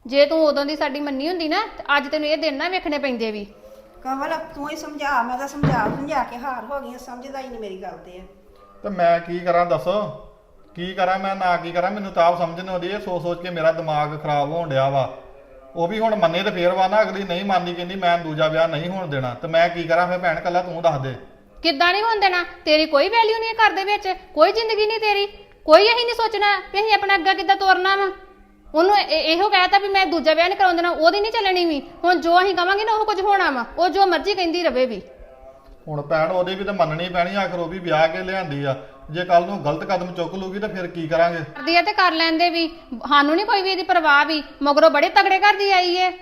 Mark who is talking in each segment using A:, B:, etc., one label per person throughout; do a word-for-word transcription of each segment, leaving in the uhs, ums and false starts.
A: ਜੇ ਤੂੰ ਉਦੋਂ ਦੀ ਸਾਡੀ ਮੰਨੀ ਹੁੰਦੀ ਨਾ ਤੇ ਅੱਜ ਤੈਨੂੰ ਇਹ ਦਿਨ ਨਾ ਵੇਖਣੇ ਪੈਂਦੇ ਵੀ।
B: ਕਮਲ ਤੂੰ ਹੀ ਸਮਝਾ, ਮੈਂ ਤਾਂ ਸਮਝਾ ਸਮਝਾ ਕੇ ਹਾਰ ਹੋ ਗਈ, ਸਮਝਦਾ ਹੀ ਨਹੀਂ ਮੇਰੀ ਗੱਲ ਤੇ।
C: ਤੇ ਮੈਂ ਕੀ ਕਰਾਂ ਦੱਸੋ, ਕੀ ਕਰਾਂ ਮੈਂ ਨਾ ਕੀ ਕਰਾਂ, ਮੈਨੂੰ ਤਾਂ ਆਪ ਸਮਝ ਨਹੀਂ ਆਉਂਦੀ। ਇਹ ਸੋਚ ਸੋਚ ਕੇ ਮੇਰਾ ਦਿਮਾਗ ਖਰਾਬ ਹੋਣ ਡਿਆ ਵਾ। ਉਹ ਵੀ ਹੁਣ ਮੰਨੇ ਤੇ ਫੇਰ ਵਾ ਨਾ, ਅਗਲੀ ਨਹੀਂ ਮੰਨਦੀ, ਕਹਿੰਦੀ ਮੈਂ ਦੂਜਾ ਵਿਆਹ ਨਹੀਂ ਹੋਣ ਦੇਣਾ। ਤੇ ਮੈਂ ਕੀ ਕਰਾਂ ਫਿਰ ਭੈਣ, ਕੱਲਾ ਤੂੰ ਦੱਸ ਦੇ।
A: ਕਿੱਦਾਂ ਨਹੀਂ ਹੋਣ ਦੇਣਾ? ਤੇਰੀ ਕੋਈ ਵੈਲਿਊ ਨਹੀਂ ਘਰ ਦੇ ਵਿੱਚ, ਕੋਈ ਜ਼ਿੰਦਗੀ ਨਹੀਂ ਤੇਰੀ, ਕੋਈ ਅਸੀਂ ਨਹੀਂ ਸੋਚਣਾ ਵੀ ਅਸੀਂ ਆਪਣਾ ਅੱਗਾ ਕਿੱਦਾਂ ਤੋਰਨਾ ਵਾ। ਉਹਨੂੰ ਇਹੋ ਕਹਿਤਾ ਵੀ ਮੈਂ ਦੂਜਾ ਵਿਆਹ ਨਹੀਂ ਕਰਾਉਣ ਦੇਣਾ, ਉਹਦੀ ਨਹੀਂ ਚੱਲਣੀ ਵੀ। ਹੁਣ ਜੋ ਅਸੀਂ ਕਵਾਂਗੇ ਨਾ ਉਹ ਕੁਝ ਹੋਣਾ ਵਾ, ਉਹ ਜੋ ਮਰਜ਼ੀ ਕਹਿੰਦੀ ਰਵੇ ਵੀ।
C: ਹੁਣ ਭੈਣ ਉਹਦੀ ਵੀ ਤਾਂ ਮੰਨਣੀ ਪੈਣੀ, ਆਖਰ ਉਹ ਵੀ ਵਿਆਹ ਕੇ ਲਿਆਂਦੀ ਆ। ਜੇ ਕੱਲ ਨੂੰ ਗਲਤ ਕਦਮ ਚੁੱਕ ਲੂਗੀ ਤਾਂ ਫਿਰ ਕੀ ਕਰਾਂਗੇ?
A: ਕਰਦੀ ਆ ਤੇ ਕਰ ਲੈਂਦੇ ਵੀ, ਸਾਨੂੰ ਨਹੀਂ ਕੋਈ ਵੀ ਇਹਦੀ ਪਰਵਾਹ ਵੀ। ਮਗਰੋਂ ਬੜੇ ਤਗੜੇ ਘਰ ਦੀ ਆਈ ਏ।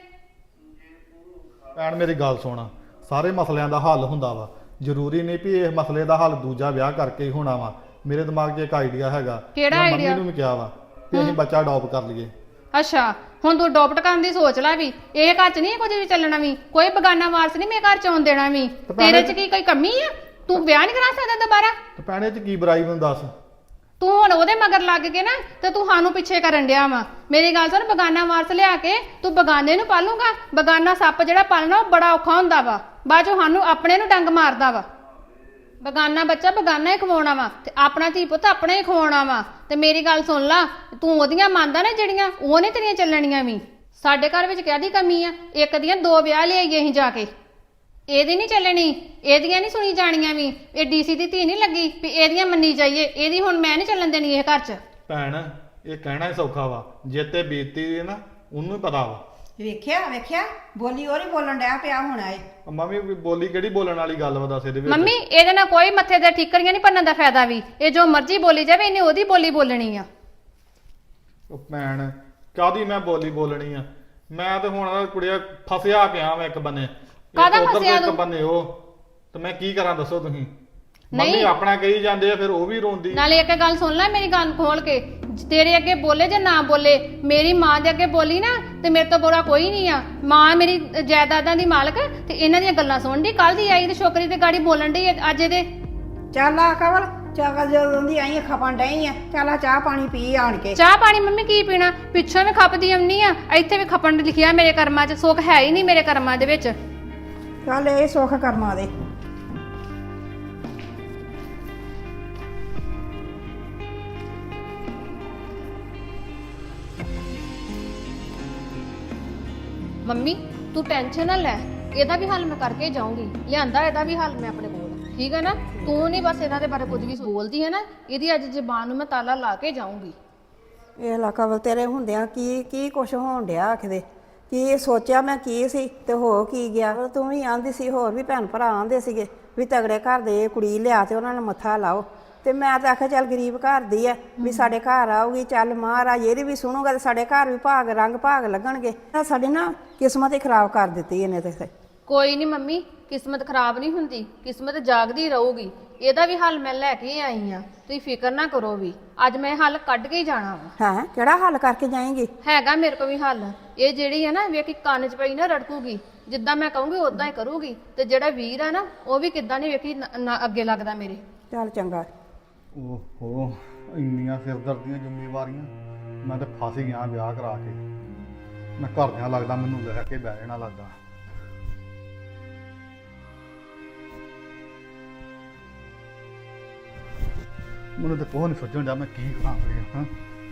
C: ਭੈਣ ਮੇਰੀ ਗੱਲ ਸੁਣ, ਸਾਰੇ ਮਸਲਿਆਂ ਦਾ ਹੱਲ ਹੁੰਦਾ ਵਾ, ਜ਼ਰੂਰੀ ਨਹੀਂ ਵੀ ਇਸ ਮਸਲੇ ਦਾ ਹੱਲ ਦੂਜਾ ਵਿਆਹ ਕਰਕੇ ਹੀ ਹੋਣਾ ਵਾ। ਮੇਰੇ ਦਿਮਾਗ 'ਚ ਇੱਕ ਆਈਡੀਆ ਹੈਗਾ।
A: ਕਿਹੜਾ
C: ਮੈਂ
A: ਆਈਡੀਆ?
C: ਮੰਮੀ ਨੂੰ ਵੀ ਕਿਹਾ ਵਾ ਕਿ ਅਸੀਂ ਬੱਚਾ ਅਡਾਪਟ ਕਰ ਲਈਏ।
A: ਅੱਛਾ, ਹੁਣ ਤੂੰ ਅਡਾਪਟ ਕਰਨ ਦੀ ਸੋਚ ਲੈ ਵੀ। ਇਹ ਘਰ 'ਚ ਨਹੀਂ ਕੁਝ ਵੀ ਚੱਲਣਾ ਵੀ, ਕੋਈ ਬਗਾਨਾ ਵਾਰਸ ਨਹੀਂ ਮੇਰੇ ਘਰ 'ਚ ਆਉਣ ਦੇਣਾ ਵੀ। ਤੇਰੇ 'ਚ ਕੀ ਕੋਈ ਕਮੀ ਆ? ਤੂੰ ਵਿਆਹ ਨਹੀਂ ਕਰਾ ਸਕਦਾ ਦੁਬਾਰਾ?
C: ਤੇ ਭੈਣੇ 'ਚ ਕੀ ਬੁਰਾਈ ਮੈਨੂੰ ਦੱਸ।
A: ਤੂੰ ਹੁਣ ਉਹਦੇ ਮਗਰ ਲੱਗ ਕੇ ਨਾ ਤੇ ਤੂੰ ਸਾਨੂੰ ਪਿੱਛੇ ਕਰਨ ਡਿਆ ਵਾ। ਮੇਰੀ ਗੱਲ ਸੁਣ, ਬਗਾਨਾ ਵਾਰਸ ਲਿਆ ਕੇ ਤੂੰ ਬਗਾਨੇ ਨੂੰ ਪਾਲੂਗਾ? ਬਗਾਨਾ ਸੱਪ ਜਿਹੜਾ ਪਾਲਣਾ ਉਹ ਬੜਾ ਔਖਾ ਹੁੰਦਾ ਵਾ, ਬਾਅਦ ਚੋਂ ਸਾਨੂੰ ਆਪਣੇ ਨੂੰ ਡੰਗ ਮਾਰਦਾ ਵਾ। ਬਗਾਨਾ ਬੱਚਾ ਬਗਾਨਾ ਹੀ ਖਵਾਉਣਾ ਵਾ ਤੇ ਆਪਣਾ ਧੀ ਪੁੱਤ ਆਪਣਾ ਹੀ ਖਵਾਉਣਾ ਵਾ। ਤੇ ਮੇਰੀ ਗੱਲ ਸੁਣ ਲਾ, ਤੂੰ ਉਹਦੀਆਂ ਮੰਨਦਾ ਨਾ ਜਿਹੜੀਆਂ, ਉਹ ਨਹੀਂ ਤੇਰੀਆਂ ਚੱਲਣੀਆਂ ਵੀ। ਸਾਡੇ ਘਰ ਵਿੱਚ ਕਾਹਦੀ ਕਮੀ ਆ? ਇੱਕ ਦੀਆਂ ਦੋ ਵਿਆਹ ਲਿਆਈਏ ਅਸੀਂ ਜਾ ਕੇ। ਇਹਦੀ ਨਹੀਂ ਚੱਲਣੀ, ਇਹਦੀਆਂ ਨਹੀਂ ਸੁਣੀ ਜਾਣੀਆਂ ਵੀ। ਇਹ ਡੀਸੀ ਦੀ ਧੀ ਨਹੀਂ ਲੱਗੀ ਵੀ ਇਹਦੀਆਂ ਮੰਨੀ ਜਾਈਏ। ਇਹਦੀ ਹੁਣ ਮੈਂ ਨਹੀਂ ਚੱਲਣ ਦੇਣੀ ਇਹ ਘਰ 'ਚ।
C: ਭੈਣ ਇਹ ਕਹਿਣਾ ਹੀ ਸੌਖਾ ਵਾ, ਜੇ ਤੇ ਬੀਤੀ ਹੈ ਨਾ ਉਹਨੂੰ ਹੀ ਪਤਾ ਵਾ।
B: ਵੇਖਿਆ ਵੇਖਿਆ ਬੋਲੀ ਉਹ ਨਹੀਂ ਬੋਲਣ ਡਿਆ ਪਿਆ ਹੋਣਾ ਏ।
C: ਮੰਮੀ ਬੋਲੀ ਕਿਹੜੀ ਬੋਲਣ ਵਾਲੀ ਗੱਲ ਵਾ ਦੱਸ ਇਹਦੇ ਵਿੱਚ?
A: ਮੰਮੀ ਇਹਦੇ ਨਾਲ ਕੋਈ ਮੱਥੇ ਤੇ ਠੀਕਰੀਆਂ ਨਹੀਂ ਭੰਨਣ ਦਾ ਫਾਇਦਾ ਵੀ। ਇਹ ਜੋ ਮਰਜ਼ੀ ਬੋਲੀ ਜਾਵੇ, ਇਹਨੇ ਉਹਦੀ ਬੋਲੀ ਬੋਲਣੀ ਆ।
C: ਉਹ ਭੈਣ ਕਾਹਦੀ ਮੈਂ ਬੋਲੀ ਬੋਲਣੀ ਆ? ਮੈਂ ਤੇ ਹੁਣ ਕੁੜੀਆ ਫਸਿਆ ਪਿਆ ਮੈਂ ਇੱਕ ਬੰਨੇ,
A: ਕਾਹਦਾ
C: ਇੱਕ ਉੱਧਰ
A: ਫਸਿਆ
C: ਤੇ ਇੱਕ
A: ਤੂੰ?
C: ਬੰਨੇ ਉਹ। ਤੇ ਮੈਂ ਕੀ ਕਰਾਂ ਦੱਸੋ ਤੁਸੀਂ?
A: ਨਹੀਂ।
C: ਮੰਮੀ ਆਪਣਾ ਕਹੀ ਜਾਂਦੇ ਆ ਫਿਰ ਉਹ ਵੀ ਰੋਂਦੀ।
A: ਨਾਲੇ ਇੱਕ ਗੱਲ ਸੁਣ ਲੈ ਮੇਰੀ ਗੱਲ ਖੋਲ ਕੇ, ਤੇਰੇ ਅੱਗੇ ਬੋਲੇ ਜਾਂ ਨਾ ਬੋਲੇ, ਮੇਰੀ ਮਾਂ ਦੇ ਅੱਗੇ ਬੋਲੀ ਨਾ ਤੇ ਮੇਰੇ ਤੋਂ ਬੁਰਾ ਕੋਈ ਨਹੀਂ ਆ। ਮਾਂ ਮੇਰੀ ਜਾਇਦਾਦਾਂ ਦੀ ਮਾਲਕ ਤੇ ਇਹਨਾਂ ਦੀਆਂ ਗੱਲਾਂ ਸੁਣਦੀ। ਕੱਲ ਦੀ ਆਈ ਤੇ ਛੋਕਰੀ ਤੇ ਗਾੜੀ ਬੋਲਣ ਡਈ ਅੱਜ ਇਹਦੇ।
B: ਚੱਲ ਆ ਕਮਲ, ਚੱਲ ਜਦੋਂ ਦੀ ਆਈ ਖਪਣ ਡਈ ਆ, ਚੱਲ ਆ ਚਾਹ ਪਾਣੀ ਪੀ ਆਣ ਕੇ।
A: ਚਾਹ ਪਾਣੀ ਮੰਮੀ ਕੀ ਪੀਣਾ? ਪਿੱਛੋਂ ਵੀ ਖਪਦੀ ਆਉਣੀ ਆ, ਇੱਥੇ ਵੀ ਖਪਣ ਲਿਖਿਆ ਮੇਰੇ ਕਰਮਾਂ 'ਚ। ਸੁੱਖ ਹੈ ਹੀ ਨਹੀਂ ਮੇਰੇ ਕਰਮਾਂ ਦੇ ਵਿੱਚ।
B: ਚੱਲ ਇਹ ਸੁੱਖ ਕਰਮਾਂ ਦੇ।
A: ਮੰਮੀ ਤੂੰ ਟੈਨਸ਼ਨ ਨਾ ਲੈ, ਇਹਦਾ ਵੀ ਹੱਲ ਮੈਂ ਕਰਕੇ ਜਾਊਂਗੀ। ਲਿਆਂਦਾ ਇਹਦਾ ਵੀ ਹੱਲ ਮੈਂ ਆਪਣੇ ਕੋਲ, ਠੀਕ ਹੈ ਨਾ? ਤੂੰ ਨਹੀਂ ਬਸ ਇਹਨਾਂ ਦੇ ਬਾਰੇ ਕੁਝ ਵੀ ਬੋਲਦੀ ਹੈ ਨਾ, ਇਹਦੀ ਅੱਜ ਜ਼ਬਾਨ ਨੂੰ ਮੈਂ ਤਾਲਾ ਲਾ ਕੇ ਜਾਊਂਗੀ।
B: ਇਹ ਲਾ ਕਮਲ ਤੇਰੇ ਹੁੰਦਿਆਂ ਕੀ ਕੀ ਕੁਛ ਹੋਣ ਡਿਆ ਆਖਦੇ। ਕੀ ਸੋਚਿਆ ਮੈਂ ਕੀ ਸੀ ਤੇ ਹੋ ਕੀ ਗਿਆ। ਤੂੰ ਵੀ ਆਂਦੀ ਸੀ, ਹੋਰ ਵੀ ਭੈਣ ਭਰਾ ਆਂਦੇ ਸੀਗੇ ਵੀ ਤਗੜੇ ਘਰ ਦੇ ਕੁੜੀ ਲਿਆ ਤੇ ਉਹਨਾਂ ਨੇ ਮੱਥਾ ਲਾਓ। ਤੇ ਮੈਂ ਤਾਂ ਆਖਿਆ ਚੱਲ ਗਰੀਬ ਘਰ ਦੀ ਆ ਵੀ ਸਾਡੇ ਘਰ ਆਊਗੀ, ਚੱਲ ਮਹਾਰਾਜ ਇਹਦੀ ਵੀ ਸੁਣੂਗਾ ਤੇ ਸਾਡੇ ਘਰ ਵੀ ਭਾਗ ਰੰਗ ਭਾਗ ਲੱਗਣਗੇ। ਸਾਡੀ ਨਾ ਕਿਸਮਤ ਹੀ ਖਰਾਬ ਕਰ ਦਿੱਤੀ ਇਹਨੇ ਤੇ।
A: ਕੋਈ ਨਹੀਂ ਮੰਮੀ, ਕਿਸਮਤ ਖਰਾਬ ਨਹੀਂ ਹੁੰਦੀ, ਕਿਸਮਤ ਜਾਗਦੀ ਰਹੂਗੀ। ਇਹਦਾ ਵੀ ਹੱਲ ਮੈਂ ਲੈ ਕੇ ਆਈ ਆ, ਤੁਸੀਂ ਫਿਕਰ ਨਾ ਕਰੋ ਵੀ। ਅੱਜ ਮੈਂ ਹੱਲ ਕੱਢ ਕੇ ਹੀ ਜਾਣਾ ਵਾ।
B: ਹੈ ਕਿਹੜਾ ਹੱਲ ਕਰਕੇ ਜਾਏਂਗੀ?
A: ਹੈਗਾ ਮੇਰੇ ਕੋਲ ਵੀ ਹੱਲ। ਇਹ ਜਿਹੜੀ ਹੈ ਨਾ ਵੇਖੀ ਕੰਨ 'ਚ ਪਈ ਨਾ ਰੜਕੂਗੀ, ਜਿੱਦਾਂ ਮੈਂ ਕਹੂੰਗੀ ਉਦਾਂ ਹੀ ਕਰੂਗੀ। ਤੇ ਜਿਹੜਾ ਵੀਰ ਆ ਨਾ ਉਹ ਵੀ ਕਿੱਦਾਂ ਨਹੀਂ ਵੇਖੀ ਅੱਗੇ ਲੱਗਦਾ ਮੇਰੇ।
B: ਚੱਲ ਚੰਗਾ।
C: ਓਹੋ ਇੰਨੀਆਂ ਸਿਰਦਰਦੀਆਂ ਜ਼ਿੰਮੇਵਾਰੀਆਂ, ਮੈਂ ਤੇ ਫਸ ਹੀ ਗਿਆ ਵਿਆਹ ਕਰਾ ਕੇ। ਮੈਂ ਘਰਦਿਆਂ ਲੱਗਦਾ ਮੈਨੂੰ ਲੈ ਕੇ ਬਹਿ ਜਾਣਾ ਲੱਗਦਾ। ਮੈਨੂੰ ਤਾਂ ਕੋਹ ਨਹੀਂ ਸੋਚਣ ਡਿਆ ਮੈਂ ਕੀ ਕਰਾਂ ਫਿਰ। ਹਾਂ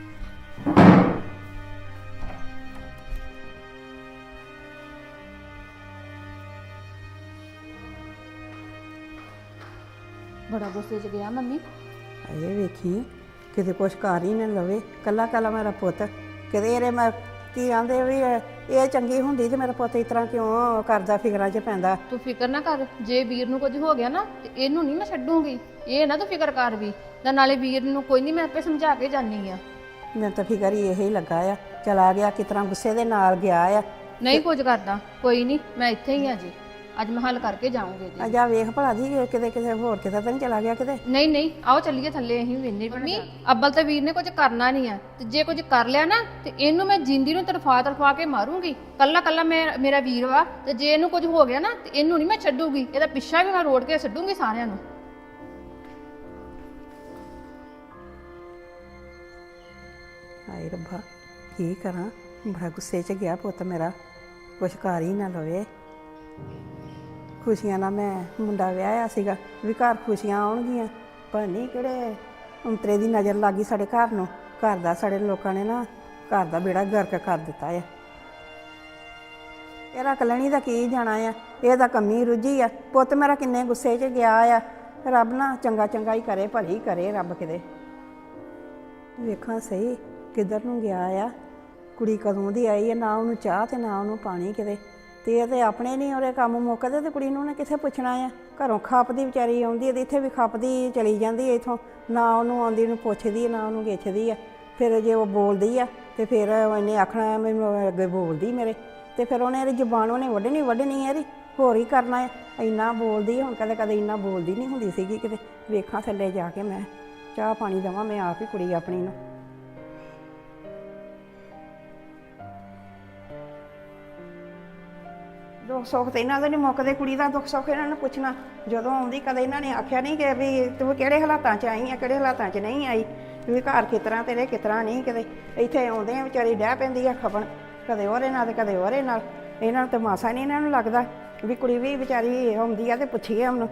A: ਬੜਾ ਗੁੱਸੇ 'ਚ ਗਿਆ ਮੰਮੀ।
B: ਇਹ ਵੇਖੀ ਕਿਤੇ ਕੁਛ ਕਰ ਹੀ ਨਾ ਲਵੇ, ਕੱਲਾ ਕੱਲਾ ਮੇਰਾ ਪੁੱਤ। ਕਿਤੇ ਇਹਦੇ ਮੈਂ ਕੀ ਆਂਦੇ ਵੀ ਇਹ ਇਹ ਚੰਗੀ ਹੁੰਦੀ ਤੇ ਮੇਰਾ ਪੁੱਤ ਇਸ ਤਰ੍ਹਾਂ ਕਿਉਂ ਕਰਦਾ, ਫਿਕਰਾਂ 'ਚ ਪੈਂਦਾ।
A: ਤੂੰ ਫਿਕਰ ਨਾ ਕਰ, ਜੇ ਵੀਰ ਨੂੰ ਕੁਝ ਹੋ ਗਿਆ ਨਾ ਤੇ ਇਹਨੂੰ ਨਹੀਂ ਮੈਂ ਛੱਡੂਗੀ। ਇਹ ਨਾ ਤੂੰ ਫਿਕਰ ਕਰ ਵੀ। ਤੇ ਨਾਲੇ ਵੀਰ ਨੂੰ ਕੋਈ ਨਹੀਂ, ਮੈਂ ਆਪੇ ਸਮਝਾ ਕੇ ਜਾਨੀ ਆ।
B: ਮੈਨੂੰ ਤਾਂ ਫਿਕਰ ਹੀ ਇਹੀ ਲੱਗਾ ਆ, ਚਲਾ ਗਿਆ ਕਿਸ ਤਰ੍ਹਾਂ ਗੁੱਸੇ ਦੇ ਨਾਲ ਗਿਆ ਆ।
A: ਨਹੀਂ ਕੁਝ ਕਰਦਾ, ਕੋਈ ਨਹੀਂ, ਮੈਂ ਇੱਥੇ ਹੀ ਆ ਜੀ। ਅੱਜ ਮੈਂ ਹੱਲ ਕਰਕੇ ਜਾਊਂਗੀ ਜੀ।
B: ਅਜਾ ਵੇਖ ਭਲਾ ਦੀ ਕਿਤੇ ਕਿਤੇ ਹੋਰ ਕਿਤੇ ਤਾਂ ਨਹੀਂ ਚਲਾ ਗਿਆ ਕਿਤੇ।
A: ਨਹੀਂ ਨਹੀਂ, ਆਓ ਚੱਲੀਏ ਥੱਲੇ, ਅਸੀਂ ਵੇਨੇ ਮੰਮੀ। ਅੱਬਲ ਤੇ ਵੀਰ ਨੇ ਕੁਝ ਕਰਨਾ ਨਹੀਂ ਆ, ਤੇ ਜੇ ਕੁਝ ਕਰ ਲਿਆ ਨਾ ਤੇ ਇਹਨੂੰ ਮੈਂ ਜਿੰਦੀ ਨੂੰ ਤਰਫਾ ਤਰਫਾ ਕੇ ਮਾਰੂੰਗੀ। ਕੱਲਾ ਕੱਲਾ ਮੈਂ ਮੇਰਾ ਵੀਰ ਵਾ, ਤੇ ਜੇ ਇਹਨੂੰ ਕੁਝ ਹੋ ਗਿਆ ਨਾ ਤੇ ਇਹਨੂੰ ਨਹੀਂ ਮੈਂ ਛੱਡੂਗੀ। ਇਹਦਾ ਪਿੱਛਾ ਵੀ ਮੈਂ ਰੋੜ ਕੇ ਛੱਡੂੰਗੀ ਸਾਰਿਆਂ ਨੂੰ।
B: ਹਾਏ ਰੱਬਾ ਕੀ ਕਰਾਂ, ਬੜਾ ਗੁੱਸੇ 'ਚ ਗਿਆ ਪੁੱਤ ਮੇਰਾ, ਕੁਛ ਕਰ ਹੀ ਨਾ ਲਵੇ। ਖੁਸ਼ੀਆਂ ਨਾਲ ਮੈਂ ਮੁੰਡਾ ਵਿਆਹਿਆ ਸੀਗਾ ਵੀ ਘਰ ਖੁਸ਼ੀਆਂ ਆਉਣਗੀਆਂ, ਪਰ ਨਹੀਂ ਕਿਹੜੇ ਅੰਤਰੇ ਦੀ ਨਜ਼ਰ ਲੱਗ ਗਈ ਸਾਡੇ ਘਰ ਨੂੰ। ਘਰ ਦਾ ਸਾਡੇ ਲੋਕਾਂ ਨੇ ਨਾ ਘਰ ਦਾ ਬੇੜਾ ਗਰਕ ਕਰ ਦਿੱਤਾ ਆ। ਇਹਦਾ ਕਲਣੀ ਦਾ ਕੀ ਜਾਣਾ ਆ, ਇਹ ਤਾਂ ਕੰਮੀ ਰੁੱਝੀ ਆ। ਪੁੱਤ ਮੇਰਾ ਕਿੰਨੇ ਗੁੱਸੇ 'ਚ ਗਿਆ ਆ। ਰੱਬ ਨਾ ਚੰਗਾ ਚੰਗਾ ਹੀ ਕਰੇ, ਭਲੀ ਕਰੇ ਰੱਬ ਕਿਤੇ। ਵੇਖਾਂ ਸਹੀ ਕਿੱਧਰ ਨੂੰ ਗਿਆ ਆ। ਕੁੜੀ ਕਦੋਂ ਦੀ ਆਈ ਹੈ, ਨਾ ਉਹਨੂੰ ਚਾਹ ਤੇ ਨਾ ਉਹਨੂੰ ਪਾਣੀ ਕਿਤੇ। ਤੇ ਇਹ ਤੇ ਆਪਣੇ ਨਹੀਂ ਉਹਦੇ ਕੰਮ ਮੁੱਕਦੇ ਤੇ ਕੁੜੀ ਨੂੰ ਉਹਨੇ ਕਿੱਥੇ ਪੁੱਛਣਾ ਆ। ਘਰੋਂ ਖੱਪਦੀ ਵਿਚਾਰੀ ਆਉਂਦੀ ਹੈ ਤੇ ਇੱਥੇ ਵੀ ਖੱਪਦੀ ਚਲੀ ਜਾਂਦੀ ਹੈ ਇੱਥੋਂ। ਨਾ ਉਹਨੂੰ ਆਉਂਦੀ ਨੂੰ ਪੁੱਛਦੀ ਹੈ ਨਾ ਉਹਨੂੰ ਗਿੱਛਦੀ ਆ। ਫਿਰ ਜੇ ਉਹ ਬੋਲਦੀ ਆ ਤੇ ਫਿਰ ਇਹਨੇ ਆਖਣਾ ਮੈਨੂੰ ਅੱਗੇ ਬੋਲਦੀ ਮੇਰੇ, ਤੇ ਫਿਰ ਉਹਨੇ ਇਹਦੀ ਜ਼ੁਬਾਨ ਉਹਨੇ ਵੱਢਣੀ ਵੱਢਣੀ ਹੈ ਇਹਦੀ, ਹੋਰ ਹੀ ਕਰਨਾ ਹੈ। ਇੰਨਾ ਬੋਲਦੀ ਹੈ ਹੁਣ, ਕਦੇ ਕਦੇ ਇੰਨਾ ਬੋਲਦੀ ਨਹੀਂ ਹੁੰਦੀ ਸੀਗੀ ਕਿਤੇ। ਵੇਖਾਂ ਥੱਲੇ ਜਾ ਕੇ ਮੈਂ ਚਾਹ ਪਾਣੀ ਦੇਵਾਂ ਮੈਂ ਆਪ ਹੀ ਕੁੜੀ ਆਪਣੀ ਨੂੰ। ਦੁੱਖ ਸੁੱਖ ਤੇ ਇਹਨਾਂ ਦੇ ਨਹੀਂ ਮੁੱਕਦੇ, ਕੁੜੀ ਦਾ ਦੁੱਖ ਸੁੱਖ ਇਹਨਾਂ ਨੂੰ ਪੁੱਛਣਾ ਜਦੋਂ ਆਉਂਦੀ। ਕਦੇ ਇਹਨਾਂ ਨੇ ਆਖਿਆ ਨਹੀਂ ਕਿ ਵੀ ਤੂੰ ਕਿਹੜੇ ਹਾਲਾਤਾਂ 'ਚ ਆਈ ਆ, ਕਿਹੜੇ ਹਾਲਾਤਾਂ 'ਚ ਨਹੀਂ ਆਈ, ਵੀ ਘਰ ਕਿਤਰਾ ਤੇਰੇ ਕਿਤਰਾ ਨਹੀਂ। ਕਿਤੇ ਇੱਥੇ ਆਉਂਦੇ ਆ ਵਿਚਾਰੀ ਡਹਿ ਪੈਂਦੀ ਆ ਖਪਣ, ਕਦੇ ਉਹਦੇ ਨਾਲ ਤੇ ਕਦੇ ਉਹਦੇ ਨਾਲ। ਇਹਨਾਂ ਨੂੰ ਤਾਂ ਮਾਸਾ ਨਹੀਂ ਇਹਨਾਂ ਨੂੰ ਲੱਗਦਾ ਵੀ ਕੁੜੀ ਵੀ ਵਿਚਾਰੀ ਆਉਂਦੀ ਆ ਤੇ ਪੁੱਛੀਏ ਉਹਨੂੰ।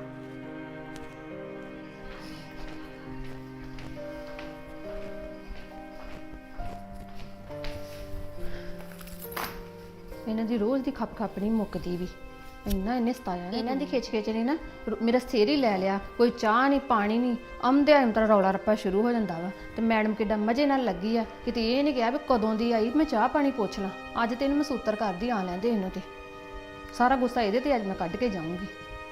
A: ਇਹਨਾਂ ਦੀ ਰੋਜ਼ ਦੀ ਖੱਪ ਖੱਪ ਨਹੀਂ ਮੁੱਕਦੀ ਵੀ। ਇੰਨਾ ਇਹਨੇ ਸਤਾਇਆ ਇਹਨਾਂ ਦੀ ਖਿੱਚ ਖਿੱਚ ਨੇ ਨਾ ਮੇਰਾ ਸਿਰ ਹੀ ਲੈ ਲਿਆ। ਕੋਈ ਚਾਹ ਨਹੀਂ ਪਾਣੀ ਨਹੀਂ, ਆਉਂਦਿਆਂ ਅੰਤਰਾ ਰੌਲਾ ਰੱਪਾ ਸ਼ੁਰੂ ਹੋ ਜਾਂਦਾ ਵਾ। ਤੇ ਮੈਡਮ ਕਿੱਡਾ ਮਜ਼ੇ ਨਾਲ ਲੱਗੀ ਆ, ਕਿਤੇ ਇਹ ਨਹੀਂ ਕਿਹਾ ਵੀ ਕਦੋਂ ਦੀ ਆਈ ਮੈਂ ਚਾਹ ਪਾਣੀ ਪੁੱਛ ਲਾਂ। ਅੱਜ ਤੇ ਇਹਨੂੰ ਮੈਂ ਸੂਤਰ ਕਰਦੀ ਆ ਲੈਂਦੇ ਇਹਨੂੰ, ਤੇ ਸਾਰਾ ਗੁੱਸਾ ਇਹਦੇ ਤੇ ਅੱਜ ਮੈਂ ਕੱਢ ਕੇ ਜਾਊਂਗੀ।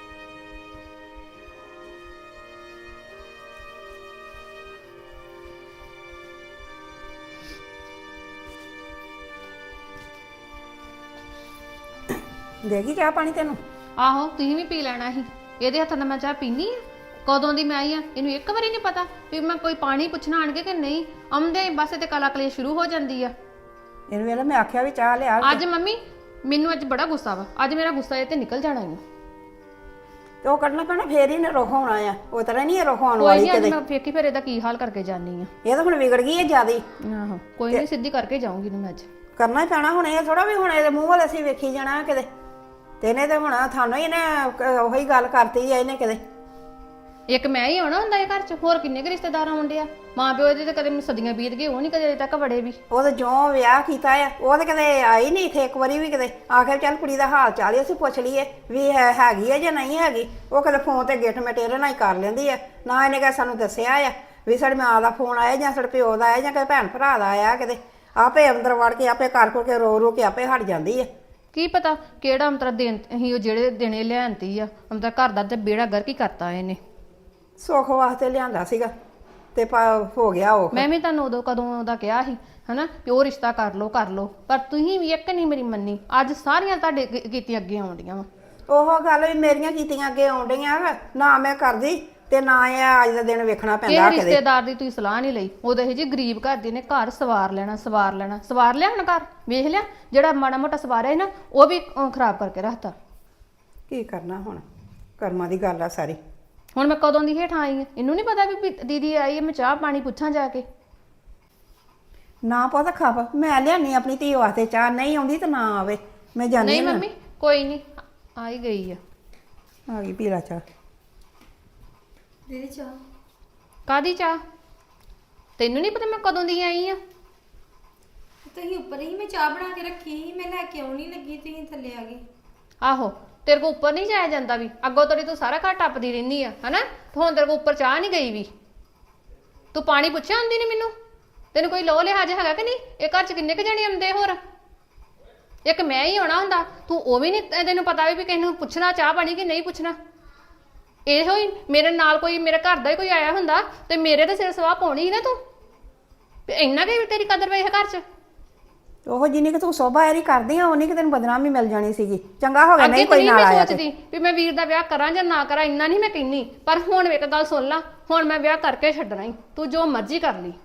B: ਦੇਗੀ ਚਾਹ ਪਾਣੀ ਤੈਨੂੰ?
A: ਆਹੋ ਤੁਸੀਂ ਵੀ ਪੀ ਲੈਣਾ ਸੀ। ਇਹਦੇ ਹੱਥਾਂ ਨਾਲ ਮੈਂ ਚਾਹ ਪੀਣੀ ਆ? ਕਦੋਂ ਦੀ ਮੈਂ ਆਈ ਆ, ਇਹਨੂੰ ਇੱਕ ਵਾਰੀ ਨਹੀਂ ਪਤਾ ਵੀ ਮੈਂ ਕੋਈ ਪਾਣੀ ਪੁੱਛਣਾ ਆਣਗੇ ਕਿ ਨਹੀਂ। ਆਉਂਦੇ ਬਸ ਤੇ ਕਲਾ ਕਲੇ ਸ਼ੁਰੂ ਹੋ ਜਾਂਦੀ ਆ।
B: ਇਹਨੂੰ ਵੇਲੇ ਮੈਂ ਆਖਿਆ ਵੀ ਚਾਹ ਲਿਆ।
A: ਅੱਜ ਮੰਮੀ ਮੈਨੂੰ ਅੱਜ ਬੜਾ ਗੁੱਸਾ ਵਾ, ਅੱਜ ਮੇਰਾ ਗੁੱਸਾ ਇਹ ਤੇ ਨਿਕਲ ਜਾਣਾ ਹੀ।
B: ਤੇ ਉਹ ਕੱਢਣਾ ਪੈਣਾ, ਫੇਰ ਹੀ ਨੇ ਰੁੱਖ ਹੋਣਾ ਆ। ਉਹ ਤਰ੍ਹਾਂ ਨਹੀਂ ਇਹ ਰੁੱਖ ਆਉਣ
A: ਕੋਈ
B: ਵਾਲੀ
A: ਨਹੀਂ, ਅੱਜ
B: ਕਦੇ।
A: ਮੈਂ ਵੇਖੀ ਫਿਰ ਇਹਦਾ ਕੀ ਹਾਲ ਕਰਕੇ ਜਾਣੀ ਆ।
B: ਇਹ ਤਾਂ ਹੁਣ ਵਿਗੜ ਗਈ ਹੈ ਜ਼ਿਆਦਾ ਹੀ।
A: ਆਹੋ ਕੋਈ ਨਹੀਂ, ਸਿੱਧੀ ਕਰਕੇ ਜਾਊਂਗੀ ਇਹਨੂੰ ਮੈਂ ਅੱਜ।
B: ਕਰਨਾ ਹੀ ਪੈਣਾ ਹੁਣ, ਇਹ ਥੋੜਾ ਵੀ ਹੁਣ ਇਹਦੇ ਮੂੰਹ ਵੱਲ ਅਸੀਂ ਵੇਖੀ ਜਾਣਾ ਕਿਤੇ। ਤੇ ਇਹਨੇ ਤੇ ਹੁਣ ਤੁਹਾਨੂੰ ਹੀ ਇਹਨੇ ਉਹੀ ਗੱਲ ਕਰਤੀ ਆ ਇਹਨੇ ਕਿਤੇ।
A: ਇੱਕ ਮੈਂ ਹੀ ਆਉਣਾ ਹੁੰਦਾ ਇਹ ਘਰ 'ਚ, ਹੋਰ ਕਿੰਨੇ ਕੁ ਰਿਸ਼ਤੇਦਾਰ ਆਉਂਦੇ ਆ। ਮਾਂ ਪਿਓ ਇਹਦੇ ਤੇ ਕਦੇ ਮੈਨੂੰ ਸਦੀਆਂ ਬੀਤ ਗਏ, ਉਹ ਨਹੀਂ ਕਦੇ ਅਜੇ ਤੱਕ ਵੜੇ ਵੀ।
B: ਉਹ ਤਾਂ ਜੋ ਵਿਆਹ ਕੀਤਾ ਆ ਉਹ ਤਾਂ ਕਦੇ ਆਈ ਨਹੀਂ ਇੱਥੇ ਇੱਕ ਵਾਰੀ ਵੀ ਕਿਤੇ। ਆਖਿਰ ਚੱਲ ਕੁੜੀ ਦਾ ਹਾਲ ਚਾਲ ਹੀ ਅਸੀਂ ਪੁੱਛ ਲਈਏ ਵੀ ਹੈ ਹੈਗੀ ਹੈ ਜਾਂ ਨਹੀਂ ਹੈਗੀ। ਉਹ ਕਦੇ ਫੋਨ ਤੇ ਗਿੱਠ ਮਟੇਰੇ ਨਾਲ ਹੀ ਕਰ ਲੈਂਦੀ ਆ। ਨਾ ਇਹਨੇ ਕਦੇ ਸਾਨੂੰ ਦੱਸਿਆ ਆ ਵੀ ਸਾਡੀ ਮਾਂ ਦਾ ਫੋਨ ਆਇਆ ਜਾਂ ਸਾਡੇ ਪਿਓ ਦਾ ਆਇਆ ਜਾਂ ਕਿਸੇ ਭੈਣ ਭਰਾ ਦਾ ਆਇਆ ਕਿਤੇ। ਆਪੇ ਅੰਦਰ ਵੜ ਕੇ ਆਪੇ ਕਰ ਕਰਕੇ ਰੋ ਰੋ ਕੇ ਆਪੇ ਹਟ ਜਾਂਦੀ ਆ।
A: ਕੀ ਪਤਾ ਕਿਹੜਾ ਅੰਤਰਾ ਦੇਣ ਅਸੀਂ ਉਹ ਜਿਹੜੇ ਦਿਨੇ ਲਿਆਂਤੀ ਆ ਅੰਤਰਾ ਘਰ ਦਾ ਤੇ ਬੇੜਾ ਗਰਕ ਹੀ ਕਰਤਾ ਇਹਨੇ।
B: ਸੁੱਖ ਵਾਸਤੇ ਲਿਆਂਦਾ ਸੀਗਾ ਤੇ ਹੋ ਗਿਆ ਉਹ। ਮੈਂ
A: ਵੀ ਤੁਹਾਨੂੰ ਉਦੋਂ ਕਦੋਂ ਦਾ ਕਿਹਾ ਸੀ ਹਨਾ ਵੀ ਉਹ ਰਿਸ਼ਤਾ ਕਰ ਲਓ ਕਰ ਲਓ, ਪਰ ਤੁਸੀਂ ਵੀ ਇੱਕ ਨਹੀਂ ਮੇਰੀ ਮੰਨੀ। ਅੱਜ ਸਾਰੀਆਂ ਤੁਹਾਡੇ ਕੀਤੀਆਂ ਅੱਗੇ ਆਉਂਦੀਆਂ ਵਾ।
B: ਉਹ ਗੱਲ ਵੀ ਮੇਰੀਆਂ ਕੀਤੀਆਂ ਅੱਗੇ ਆਉਣ ਡਈਆਂ ਨਾ ਮੈਂ ਕਰਦੀ ਤੇ ਨਾ ਇਹ ਅੱਜ ਦਾ ਦਿਨ ਵੇਖਣਾ ਪੈਂਦਾ।
A: ਕਿਹੜੇ ਰਿਸ਼ਤੇਦਾਰ ਦੀ ਤੁਸੀਂ ਸਲਾਹ ਨਹੀਂ ਲਈ? ਉਹਦੇ ਇਹ ਜੀ ਗਰੀਬ ਘਰ ਦੀ ਨੇ ਘਰ ਸਵਾਰ ਲੈਣਾ ਸਵਾਰ ਲੈਣਾ ਸਵਾਰ ਲਿਆ। ਹੁਣ ਘਰ ਵੇਖ ਲਿਆ ਜਿਹੜਾ ਮਾੜਾ ਮੋਟਾ ਸਵਾਰਿਆ ਸੀ ਨਾ ਉਹ ਵੀ ਖਰਾਬ ਕਰਕੇ ਰੱਖਤਾ।
B: ਕੀ ਕਰਨਾ ਹੁਣ, ਕਰਮਾਂ ਦੀ ਗੱਲ ਆ ਸਾਰੀ।
A: ਹੁਣ ਮੈਂ ਕਦੋਂ ਦੀ ਹੇਠ ਆਈ ਆ, ਇਹਨੂੰ ਨਹੀਂ ਪਤਾ ਵੀ ਦੀਦੀ ਆਈ ਹੈ ਮੈਂ ਚਾਹ ਪਾਣੀ ਪੁੱਛਾਂ ਜਾ ਕੇ।
B: ਨਾ ਪਤਾ ਖਾਪ ਮੈਂ ਲਿਆਨੀ ਆਪਣੀ ਧੀ ਵਾਸਤੇ ਚਾਹ, ਨਹੀਂ ਆਉਂਦੀ ਤਾਂ ਨਾ ਆਵੇ, ਮੈਂ ਜਾਣੀ
A: ਨਹੀਂ ਮੰਮੀ ਕੋਈ ਨਹੀਂ ਆ ਹੀ ਗਈ ਆ।
B: ਆ ਗਈ ਪੀਲਾ ਚਾਹ।
D: ਦੀਦੀ ਚਾਹ
A: ਕਾਦੀ ਚਾਹ? ਤੈਨੂੰ ਨਹੀਂ ਪਤਾ ਮੈਂ ਕਦੋਂ ਦੀ ਆਈ ਆ?
D: ਤੁਸੀਂ ਉੱਪਰ ਹੀ ਮੈਂ ਚਾਹ ਬਣਾ ਕੇ ਰੱਖੀ ਸੀ, ਮੈਂ ਲੈ ਕੇ ਆਉਣੀ ਲੱਗੀ ਤੁਸੀਂ ਥੱਲੇ ਆ ਗਏ।
A: ਆਹੋ ਤੇਰੇ ਕੋ ਉੱਪਰ ਨਹੀਂ ਜਾਇਆ ਜਾਂਦਾ ਵੀ, ਅੱਗੋਂ ਤੇਰੀ ਤੂੰ ਸਾਰਾ ਘਰ ਟੱਪਦੀ ਰਹਿੰਦੀ ਆ ਹਨਾ। ਹੁਣ ਤੇਰੇ ਕੋ ਉੱਪਰ ਚਾਹ ਨਹੀਂ ਗਈ ਵੀ। ਤੂੰ ਪਾਣੀ ਪੁੱਛਿਆ ਹੁੰਦੀ ਨਹੀਂ ਮੈਨੂੰ? ਤੈਨੂੰ ਕੋਈ ਲੋਹ ਲਿਹਾਜ਼ ਹੈਗਾ ਕਿ ਨਹੀਂ? ਇਹ ਘਰ 'ਚ ਕਿੰਨੇ ਕੁ ਜਣੇ ਆਉਂਦੇ ਹੋਰ? ਇੱਕ ਮੈਂ ਹੀ ਆਉਣਾ ਹੁੰਦਾ, ਤੂੰ ਉਹ ਵੀ ਨਹੀਂ ਤੈਨੂੰ ਪਤਾ ਵੀ ਕਿਸੇ ਨੂੰ ਪੁੱਛਣਾ ਚਾਹ ਪਾਣੀ ਕਿ ਨਹੀਂ ਪੁੱਛਣਾ। ਇਹੋ ਹੀ ਮੇਰੇ ਨਾਲ ਕੋਈ ਮੇਰੇ ਘਰ ਦਾ ਹੀ ਕੋਈ ਆਇਆ ਹੁੰਦਾ ਤੇ ਮੇਰੇ ਤੇ ਸਿਰ ਸਵਾਹ ਪਾਉਣੀ ਸੀ ਨਾ ਤੂੰ। ਇੰਨਾ ਕਿ ਤੇਰੀ ਕਦਰ ਵੇ ਘਰ 'ਚ।
B: ਉਹ ਜਿੰਨੀ ਕਿ ਤੂੰ ਸੋਭਾ ਐਰੀ ਕਰਦੀ ਆ ਉਨੀ ਕਿ ਤੈਨੂੰ ਬਦਨਾਮੀ ਮਿਲ ਜਾਣੀ ਸੀਗੀ। ਚੰਗਾ ਹੋ ਗਿਆ ਨਹੀਂ ਕੋਈ ਨਾਲ ਆਇਆ।
A: ਮੈਂ ਸੋਚਦੀ ਵੀ ਮੈਂ ਵੀਰ ਦਾ ਵਿਆਹ ਕਰਾਂ ਜਾਂ ਨਾ ਕਰਾਂ, ਇੰਨਾ ਨਹੀਂ ਮੈਂ ਕਹਿੰਦੀ। ਪਰ ਹੁਣ ਇੱਕ ਗੱਲ ਸੁਣ ਲਾ, ਹੁਣ ਮੈਂ ਵਿਆਹ ਕਰਕੇ ਛੱਡਣਾ ਹੀ, ਤੂੰ ਜੋ ਮਰਜ਼ੀ ਕਰ ਲਈ।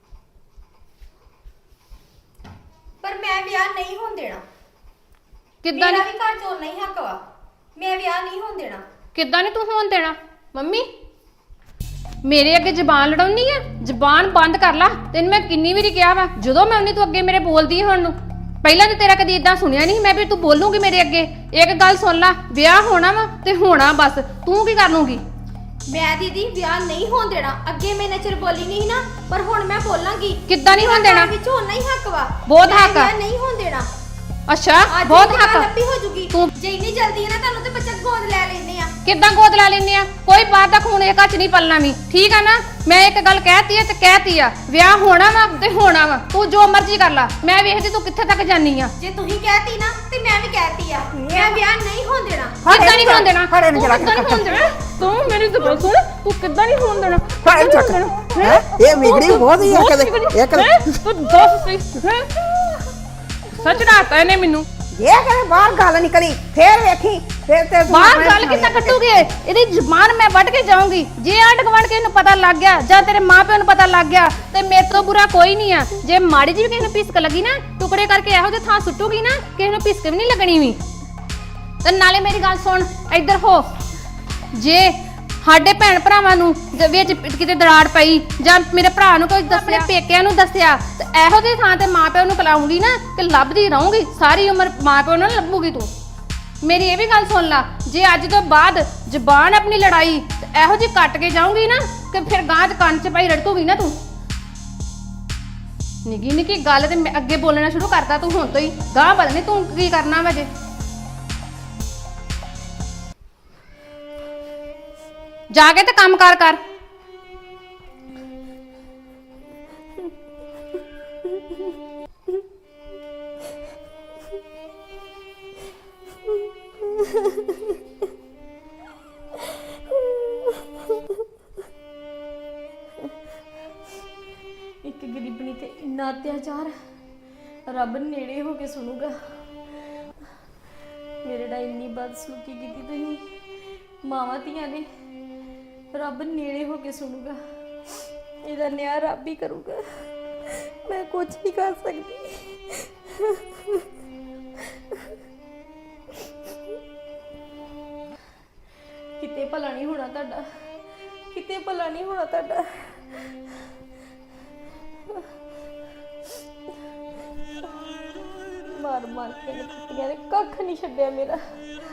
D: ਪਰ ਮੈਂ ਵਿਆਹ ਨਹੀਂ ਹੋਣ ਦੇਣਾ।
A: ਕਿੱਦਾਂ
D: ਮੇਰਾ ਵੀ ਘਰ ਚੋਂ ਨਹੀਂ ਹੱਕ ਵਾ, ਮੈਂ ਵਿਆਹ ਨਹੀਂ ਹੋਣ ਦੇਣਾ।
A: ਕਿੱਦਾਂ ਨੀ ਤੂੰ ਹੋਣ ਦੇਣਾ? ਮੰਮੀ ਮੇਰੇ ਅੱਗੇ ਜ਼ਬਾਨ ਲੜਾਉਣੀ ਆ? ਜ਼ਬਾਨ ਬੰਦ ਕਰ ਲਾ। ਤੈਨੂੰ ਮੈਂ ਕਿੰਨੀ ਵਾਰੀ ਕਿਹਾ ਵਾ, ਜਦੋਂ ਮੈਂ ਉਹਨੇ ਤੂੰ ਅੱਗੇ ਮੇਰੇ ਬੋਲਦੀ ਹੈ ਹੁਣ ਨੂੰ। ਪਹਿਲਾਂ ਤੇ ਤੇਰਾ ਕਦੀ ਇਦਾਂ ਸੁਣਿਆ ਨਹੀਂ ਮੈਂ ਵੀ ਤੂੰ ਬੋਲੂਗੀ ਮੇਰੇ ਅੱਗੇ। ਇੱਕ ਗੱਲ ਸੁਣ ਲਾ, ਵਿਆਹ ਹੋਣਾ ਵਾ ਤੇ ਹੋਣਾ ਬਸ। ਤੂੰ ਕੀ ਕਰ ਲੂੰਗੀ?
D: ਮੈਂ ਦੀਦੀ ਵਿਆਹ ਨਹੀਂ ਹੋਣ ਦੇਣਾ। ਅੱਗੇ ਮੈਂ ਨਚਰ ਬੋਲੀ ਨਹੀਂ ਨਾ, ਪਰ ਹੁਣ ਮੈਂ ਬੋਲਾਂਗੀ।
A: ਕਿੱਦਾਂ ਨਹੀਂ ਹੋਣ ਦੇਣਾ?
D: ਵਿੱਚ ਹੋਣਾ ਹੀ ਹੱਕ ਵਾ।
A: ਬਹੁਤ
D: ਮੈਂ
A: ਹੱਕ ਆ।
D: ਵਿਆਹ ਨਹੀਂ ਹੋਣ ਦੇਣਾ।
A: ਅੱਛਾ,
D: ਅੱਜ
A: ਬਹੁਤ
D: ਹੀ
A: ਹੱਕ ਆ।
D: ਲੱਭੀ ਹੋ ਜੂਗੀ।
A: ਤੂੰ
D: ਜੇ ਇੰਨੀ ਜਲਦੀ ਹੈ ਨਾ ਤੁਹਾਨੂੰ ਤੇ ਬੱਚਾ ਗੋਦ ਲੈ ਲੈਨੇ ਆ।
A: ਕਿੱਦਾਂ ਗੋਦ ਲੈ ਲੈਨੇ ਆ? ਕੋਈ ਬਾਹਰ ਦਾ ਖੂਨ ਇਹ ਘੱਚ ਨਹੀਂ ਪਲਣਾ ਵੀ, ਠੀਕ ਆ ਨਾ? ਮੈਂ ਇੱਕ ਗੱਲ ਕਹਿਤੀ ਆ ਤੇ ਕਹਿਤੀ ਆ, ਵਿਆਹ ਹੋਣਾ ਵਾ ਤੇ ਹੋਣਾ ਵਾ। ਤੂੰ ਜੋ ਮਰਜ਼ੀ ਕਰ ਲੈ, ਮੈਂ ਵੇਖਦੀ ਤੂੰ ਕਿੱਥੇ ਤੱਕ ਜਾਨੀ ਆ।
D: ਜੇ ਤੁਸੀਂ ਕਹਿਤੀ ਨਾ ਤੇ ਮੈਂ ਵੀ ਕਹਿਤੀ ਆ, ਮੈਂ ਵਿਆਹ ਨਹੀਂ ਹੋਣ ਦੇਣਾ।
A: ਕਿੱਦਾਂ ਨਹੀਂ ਹੋਣ ਦੇਣਾ?
B: ਫੜੇ ਨੂੰ
A: ਤੂੰ
B: ਜਰਾ
A: ਕਿੱਦਾਂ ਨਹੀਂ ਹੋਣ ਦੇਣਾ? ਤੂੰ ਮੇਰੀ ਤਾਂ ਗੱਲ ਸੁਣ, ਤੂੰ ਕਿੱਦਾਂ ਨਹੀਂ ਹੋਣ ਦੇਣਾ?
B: ਫੜੇ ਚੱਕ ਹੈ ਇਹ ਵਿਗੜੀ ਬਹੁਤ ਹੀ ਆ ਕਦੇ ਇੱਕ
A: ਹੈਂ? ਤੂੰ ਦੱਸ ਸਹੀ ਹੈਂ? ਸੱਚ ਡਾਤਾ ਇਹਨੇ ਮੈਨੂੰ।
B: ਇਹ ਕਦੇ ਬਾਹਰ ਗੱਲ ਨਿਕਲੀ ਫੇਰ ਵੇਖੀ ਫੇਰ ਤੇ ਤੂੰ
A: ਬਾਹਰ
B: ਆਪਣੇ
A: ਗੱਲ ਕਿੱਦਾਂ ਕੱਟੂਗੀ? ਇਹਦੀ ਜ਼ੁਬਾਨ ਮੈਂ ਵੱਢ ਕੇ ਜਾਊਂਗੀ। ਜੇ ਆਂਢ ਗੁਆਂਢ ਕੇ ਇਹਨੂੰ ਪਤਾ ਲੱਗ ਗਿਆ ਜਾਂ ਤੇਰੇ ਮਾਪਿਆਂ ਨੂੰ ਪਤਾ ਲੱਗ ਗਿਆ ਤੇ ਮੇਰੇ ਤੋਂ ਬੁਰਾ ਕੋਈ ਨਹੀਂ ਆ। ਜੇ ਮਾੜੀ ਜਿਹੀ ਵੀ ਕਿਸੇ ਨੂੰ ਪਿਸਕ ਲੱਗੀ ਨਾ, ਟੁਕੜੇ ਕਰਕੇ ਇਹੋ ਜਿਹੇ ਥਾਂ ਸੁੱਟੂਗੀ ਨਾ, ਕਿਸੇ ਨੂੰ ਪਿਸਕ ਵੀ ਨਹੀਂ ਲੱਗਣੀ ਵੀ। ਤੇ ਨਾਲੇ ਮੇਰੀ ਗੱਲ ਸੁਣ, ਇੱਧਰ ਹੋ। ਜੇ ਸਾਡੇ ਭੈਣ ਭਰਾਵਾਂ ਨੂੰ ਦੇ ਵਿੱਚ ਕਿਤੇ ਦਰਾੜ ਪਈ ਜਾਂ ਮੇਰੇ ਭਰਾ ਨੂੰ ਕੋਈ ਦੱਸਿਆ, ਪੇਕਿਆਂ ਨੂੰ ਦੱਸਿਆ, ਤੇ ਇਹੋ ਜਿਹੀ ਥਾਂ ਤੇ ਮਾਪਿਆਂ ਨੂੰ ਕਲਾਉਂਗੀ ਨਾ ਕਿ ਲੱਭਦੀ ਰਹੂੰਗੀ ਸਾਰੀ ਉਮਰ। ਮਾਪਿਆਂ ਨੂੰ ਲੱਭੂਗੀ ਤੂੰ। ਮੇਰੀ ਇਹ ਵੀ ਗੱਲ ਸੁਣ ਲਾ, ਜੇ ਅੱਜ ਤੋਂ ਬਾਅਦ ਜ਼ਬਾਨ ਆਪਣੀ ਲੜਾਈ ਤੇ ਇਹੋ ਜਿਹੀ ਕੱਟ ਕੇ ਜਾਊਂਗੀ ਨਾ ਕਿ ਫਿਰ ਗਾਂ ਚ ਕੰਨ ਚ ਪਾਈ ਰੜਕੂਗੀ ਨਾ ਤੂੰ। ਨਿੱਕੀ ਨਿੱਕੀ ਗੱਲ ਤੇ ਮੈਂ ਅੱਗੇ ਬੋਲਣਾ ਸ਼ੁਰੂ ਕਰਤਾ ਤੂੰ ਹੁਣ ਤੋਂ ਹੀ। ਗਾਂ ਪਤਾ ਨਹੀਂ ਤੂੰ ਕੀ ਕਰਨਾ ਵਾ ਜੇ। ਜਾ ਕੇ ਤੇ ਕੰਮ ਕਾਰ ਕਰ।
E: ਇੱਕ ਗਰੀਬਣੀ ਤੇ ਇੰਨਾ ਅਤਿਆਚਾਰ, ਰੱਬ ਨੇੜੇ ਹੋ ਕੇ ਸੁਣੂਗਾ। ਮੇਰੇ ਨਾਲ ਇੰਨੀ ਬਦਸਲੂਕੀ ਕੀਤੀ ਤੁਸੀਂ ਮਾਵਾਂ ਧੀਆਂ ਨੇ, ਰੱਬ ਨੇੜੇ ਹੋ ਕੇ ਸੁਣੂਗਾ। ਇਹਦਾ ਨਿਆਂ ਰੱਬ ਹੀ ਕਰੂਗਾ, ਮੈਂ ਕੁਝ ਨਹੀਂ ਕਰ ਸਕਦੀ। ਕਿਤੇ ਭਲਾ ਨਹੀਂ ਹੋਣਾ ਤੁਹਾਡਾ, ਕਿਤੇ ਭਲਾ ਨਹੀਂ ਹੋਣਾ ਤੁਹਾਡਾ। ਮਾਰ ਮਾਰ ਕੇ ਕੁੱਤਿਆਂ ਨੇ ਕੱਖ ਨਹੀਂ ਛੱਡਿਆ ਮੇਰਾ।